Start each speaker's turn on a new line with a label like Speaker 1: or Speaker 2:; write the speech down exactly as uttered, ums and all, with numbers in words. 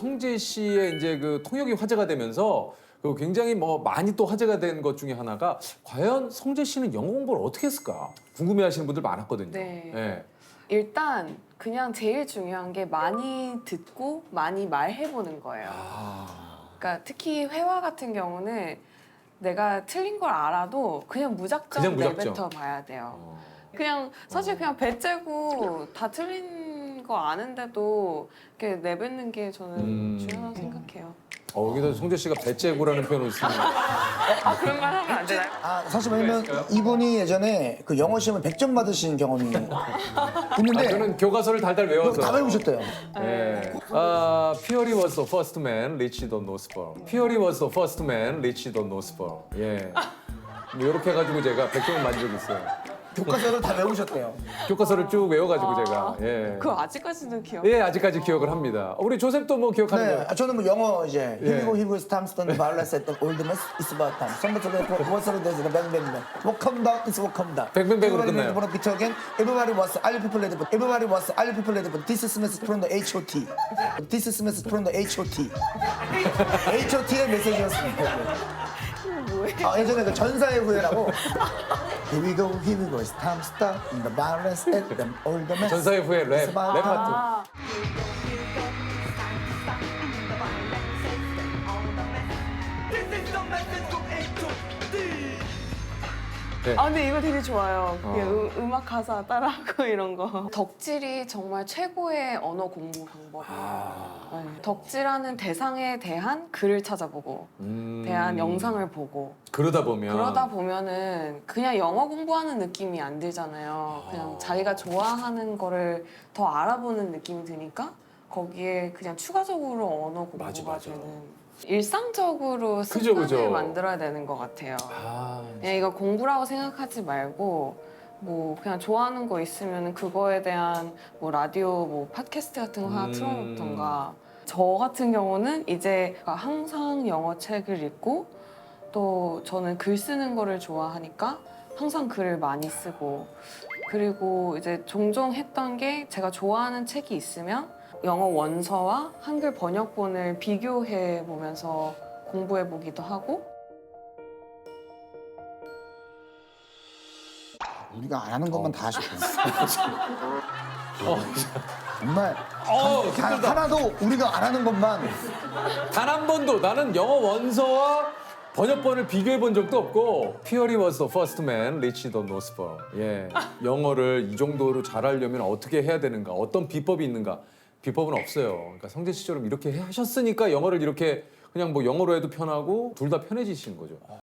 Speaker 1: 성재 씨의 이제 그 통역이 화제가 되면서 그 굉장히 뭐 많이 또 화제가 된 것 중에 하나가 과연 성재 씨는 영어 공부를 어떻게 했을까 궁금해하시는 분들 많았거든요.
Speaker 2: 네.
Speaker 1: 예.
Speaker 2: 일단 그냥 제일 중요한 게 많이 듣고 많이 말해보는 거예요.
Speaker 1: 아.
Speaker 2: 그러니까 특히 회화 같은 경우는 내가 틀린 걸 알아도 그냥 무작정,
Speaker 1: 그냥 무작정.
Speaker 2: 내뱉어 봐야 돼요.
Speaker 1: 어.
Speaker 2: 그냥 사실 그냥 배째고 다 틀린 거 아는데도 이렇게 내뱉는 게 저는
Speaker 1: 음.
Speaker 2: 중요하다고 생각해요.
Speaker 1: 어, 여기서 성재 씨가 배째고라는 표현을 쓰는
Speaker 2: 아 그런 말 하면 안 되나요?
Speaker 3: 아 사실 왜냐면 이분이 예전에 그 영어 시험을 백 점 받으신 경험이 있는데
Speaker 1: 아, 저는 교과서를 달달 외워서
Speaker 3: 다 외우셨대요.
Speaker 1: 예. 아, Purely was the first man, reached the North Pole. Purely was the first man, reached the North Pole. 예. 뭐 이렇게 해가지고 제가 백 점을 만든 적이 있어요.
Speaker 3: 교과서를 다 외우셨대요.
Speaker 1: 교과서를 쭉 외워가지고 제가. 예.
Speaker 2: 그거 아직까지도 기억.
Speaker 1: 예, 아직까지 기억을 합니다. 우리 조셉도 뭐 기억하는
Speaker 3: 네,
Speaker 1: 거예요?
Speaker 3: 아, 저는 뭐 영어 이제
Speaker 1: 예.
Speaker 3: Here we go, here we go, time, stone, violence, at the old mess, it's about time. Somebody said, what's the day, bang, bang, bang. Welcome down, it's welcome down.
Speaker 1: 뱅뱅뱅으로
Speaker 3: Everybody
Speaker 1: 끝나요.
Speaker 3: wanna beat again. Everybody was, all you people ready for, everybody was, all you people ready for. This is message from the H O T. This is message from the H O T. H O T의 메시지였습니다.
Speaker 2: 뭐예요?
Speaker 3: 아, 예전에 그 전사의 후예라고 Here we go, here we go, it's time, stop, in the violence, at the old mess.
Speaker 1: 전사의 후예 랩,
Speaker 3: It's about
Speaker 1: 랩
Speaker 3: time.
Speaker 1: 파트.
Speaker 2: 아, 아 근데 이거 되게 좋아요. 그게
Speaker 1: 어.
Speaker 2: 음, 음악 가사 따라하고 이런 거. 덕질이 정말 최고의 언어 공부 방법이에요.
Speaker 1: 아.
Speaker 2: 네. 덕질하는 대상에 대한 글을 찾아보고
Speaker 1: 음.
Speaker 2: 대한 영상을 보고
Speaker 1: 그러다 보면.
Speaker 2: 그러다 보면은 그냥 영어 공부하는 느낌이 안 들잖아요. 그냥 자기가 좋아하는 거를 더 알아보는 느낌이 드니까 거기에 그냥 추가적으로 언어 공부가
Speaker 1: 맞아, 맞아.
Speaker 2: 되는 일상적으로
Speaker 1: 그죠,
Speaker 2: 습관을
Speaker 1: 그죠.
Speaker 2: 만들어야 되는 것 같아요.
Speaker 1: 아,
Speaker 2: 그냥 이거 공부라고 생각하지 말고 뭐 그냥 좋아하는 거 있으면 그거에 대한 뭐 라디오 뭐 팟캐스트 같은 거 하나
Speaker 1: 음.
Speaker 2: 틀어놓던가. 저 같은 경우는 이제 항상 영어 책을 읽고 또 저는 글 쓰는 거를 좋아하니까 항상 글을 많이 쓰고 그리고 이제 종종 했던 게 제가 좋아하는 책이 있으면 영어 원서와 한글 번역본을 비교해 보면서 공부해 보기도 하고
Speaker 3: 우리가 안 하는 것만 다 하셨고
Speaker 1: 어,
Speaker 3: 정말
Speaker 1: 어,
Speaker 3: 단
Speaker 1: 힘들다.
Speaker 3: 하나도 우리가 안 하는 것만
Speaker 1: 단 한 번도 나는 영어 원서와 번역본을 비교해 본 적도 없고 Purely was the first man, reached the North Pole. 예, 영어를 이 정도로 잘하려면 어떻게 해야 되는가, 어떤 비법이 있는가. 비법은 없어요. 그러니까 성재 씨처럼 이렇게 하셨으니까 영어를 이렇게 그냥 뭐 영어로 해도 편하고 둘 다 편해지시는 거죠.